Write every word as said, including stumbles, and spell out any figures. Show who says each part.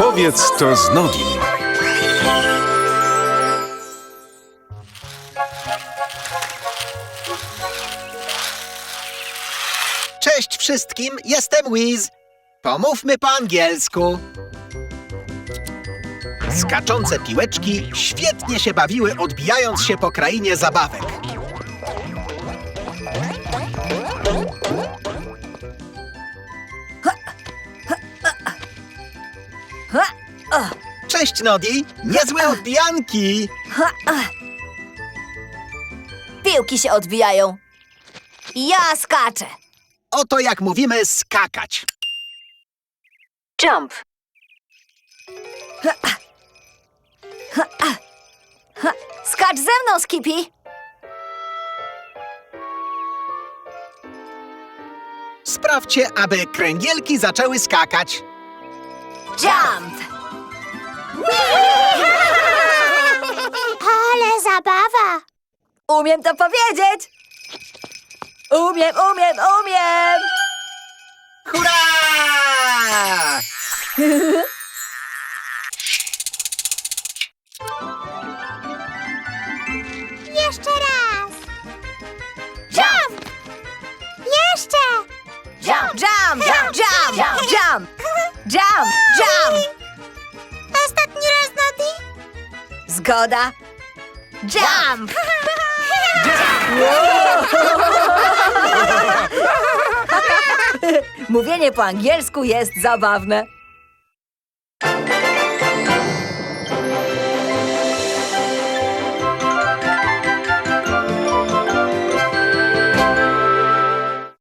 Speaker 1: Opowiedz to z Nodim.
Speaker 2: Cześć wszystkim, jestem Wiz. Pomówmy po angielsku. Skaczące piłeczki świetnie się bawiły, odbijając się po krainie zabawek. Cześć, Nodi. Niezłe odbijanki.
Speaker 3: Piłki się odbijają. Ja skaczę.
Speaker 2: Oto jak mówimy skakać.
Speaker 3: Jump. Skacz ze mną, Skippy.
Speaker 2: Sprawdźcie, aby kręgielki zaczęły skakać.
Speaker 3: Jump.
Speaker 4: Ale zabawa!
Speaker 3: Umiem to powiedzieć. Umiem, umiem, umiem.
Speaker 2: Hurra!
Speaker 4: Jeszcze raz!
Speaker 3: Jump.
Speaker 4: Jeszcze!
Speaker 3: Jump, jump, jump, jump, jump, jump. Jump, jump.
Speaker 4: Ostatni raz, Nodi?
Speaker 3: Zgoda. Jump. Mówienie po angielsku jest zabawne.